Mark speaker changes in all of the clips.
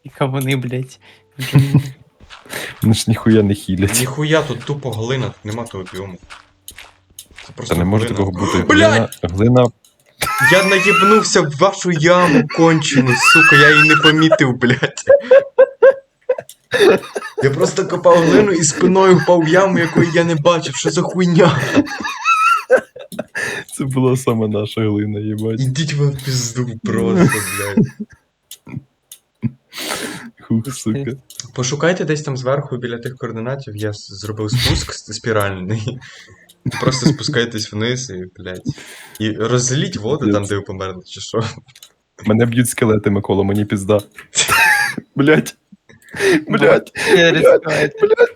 Speaker 1: Яка вони, блядь. в джунглі.
Speaker 2: Вони ж ніхуя не хілять.
Speaker 3: Ніхуя, тут тупо глина, тут нема того біому. Це
Speaker 2: Та
Speaker 3: просто
Speaker 2: не може
Speaker 3: глина.
Speaker 2: такого бути.
Speaker 3: Блядь!
Speaker 2: Глина.
Speaker 3: Я наїбнувся в вашу яму кончену, сука, я її не помітив, блядь. Я просто копав глину і спиною впав в яму, якої я не бачив. Що за хуйня?
Speaker 2: Це була саме наша глина, їбать.
Speaker 3: Ідіть ви в пізду просто, блядь.
Speaker 2: Хух, сука.
Speaker 3: Пошукайте десь там зверху біля тих координатів, я зробив спуск спіральний. Просто спускайтесь вниз і, блядь. І розліть воду там, де ви померли, чи що.
Speaker 2: Мене б'ють скелети, Микола, мені пізда. Блять. Блять.
Speaker 1: Я ризикую.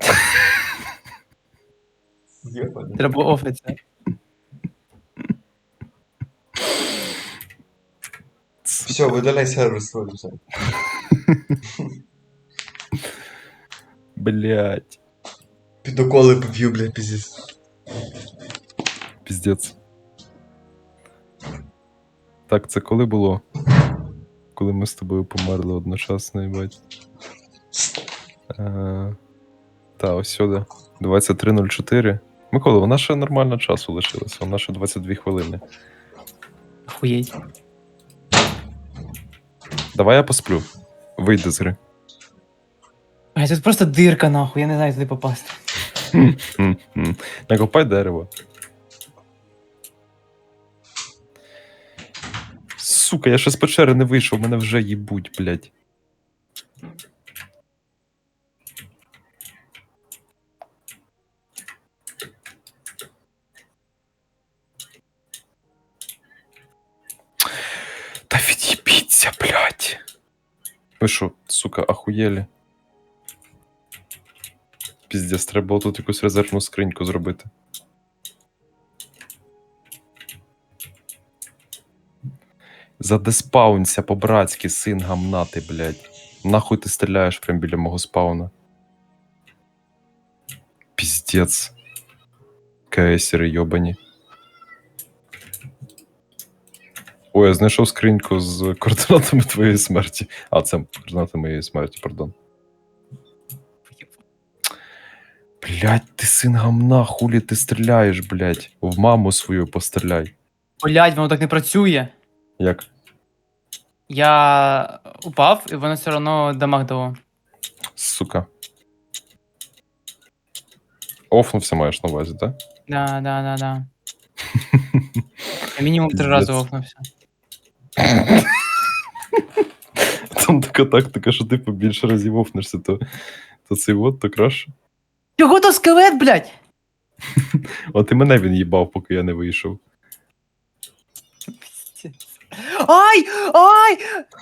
Speaker 3: Єбаний.
Speaker 1: Треба офицер.
Speaker 3: Все, видаляй сервер свой вже.
Speaker 2: Блять.
Speaker 3: Підоколи поб'ю, блядь, пиздец.
Speaker 2: Піздець. Так, це коли було? Коли ми з тобою померли одночасно, їбать. Та, ось сюди. 23:04. Микола, вона ще нормально часу лишилася, вона ще 22 хвилини.
Speaker 1: Охуєть.
Speaker 2: Давай я посплю. Вийди з гри.
Speaker 1: Блядь, тут просто дирка, нахуй, я не знаю, туди попасти.
Speaker 2: Накопай дерево. Сука, я ще з печери не вийшов, мене вже їбуть, блядь. Та від'їбіться, блядь. Ви що, сука, ахуєлі? Піздець, треба було тут якусь резервну скриньку зробити. Задеспаунься по-братськи, син гамнати, блядь. Нахуй ти стріляєш прям біля мого спауна. Піздець. КСери йобані. Ой, я знайшов скриньку з координатами твоєї смерті. А, це координати моєї смерті, пардон. Блядь, ти син гамна, хулі ти стріляєш, блядь. В маму свою постріляй.
Speaker 1: Блядь, воно так не працює.
Speaker 2: Як?
Speaker 1: Я упав, і воно все одно дамаг дало.
Speaker 2: Сука. Офнувся маєш на увазі, так?
Speaker 1: Да. Я мінімум 3 рази
Speaker 2: Пиздец.
Speaker 1: офнувся.
Speaker 2: Там така тактика, що ти побільше разів офнешся, то цей вот, то краще.
Speaker 1: Чого то скелет, блядь?
Speaker 2: От і мене він їбав, поки я не вийшов.
Speaker 1: Ай! Ай!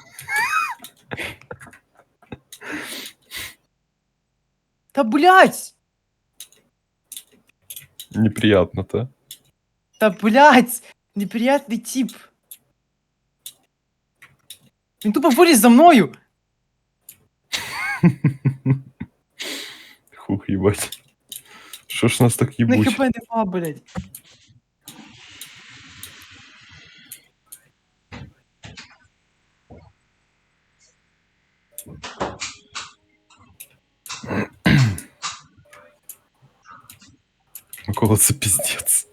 Speaker 1: Та блядь!
Speaker 2: Неприятно, та?
Speaker 1: Та блядь! Неприятний тип. Він тупо виліз за мною.
Speaker 2: Хух, їбать. Що ж нас так
Speaker 1: На
Speaker 2: їбуть?
Speaker 1: хп нема, блядь.
Speaker 2: Микола, це піздець.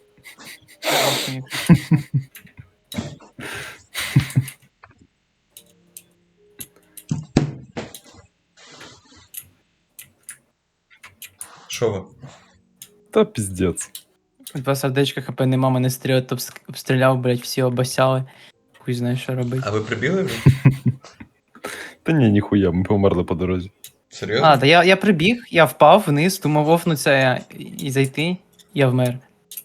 Speaker 3: Що ви?
Speaker 2: Та піздець.
Speaker 1: 2 сердечка хп нема, мене стріл обстріляв, блядь, всі обосяли. Хуй знає, що робити.
Speaker 3: А ви прибігли вже?
Speaker 2: Та ні, ніхуя, ми померли по дорозі.
Speaker 3: Серйозно?
Speaker 1: А, та я прибіг, я впав вниз, думав офнуться і зайти, я вмер.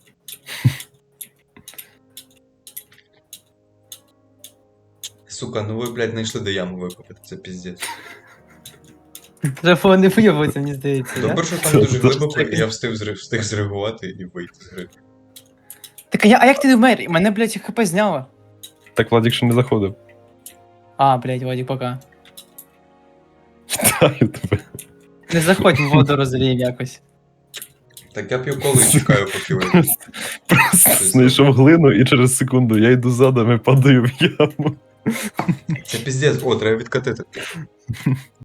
Speaker 3: Сука, ну ви, блядь, знайшли де яму викопати, це піздець.
Speaker 1: Треба не виявитися, мені здається, да?
Speaker 3: Добре, що там дуже глибоко, і я встиг зреагувати і вийти з гри.
Speaker 1: Так а як ти не вмер? Мене, блядь, хп зняло.
Speaker 2: Так Владик ще не заходив.
Speaker 1: А, блядь, Вадик, пока.
Speaker 2: Вітаю тебе.
Speaker 1: Не заходь в воду, розрів якось.
Speaker 3: Так я п'ю колу і чекаю, поки ви.
Speaker 2: Просто знайшов глину і через секунду я йду задом і падаю в яму.
Speaker 3: Це піздець, о, треба відкатити.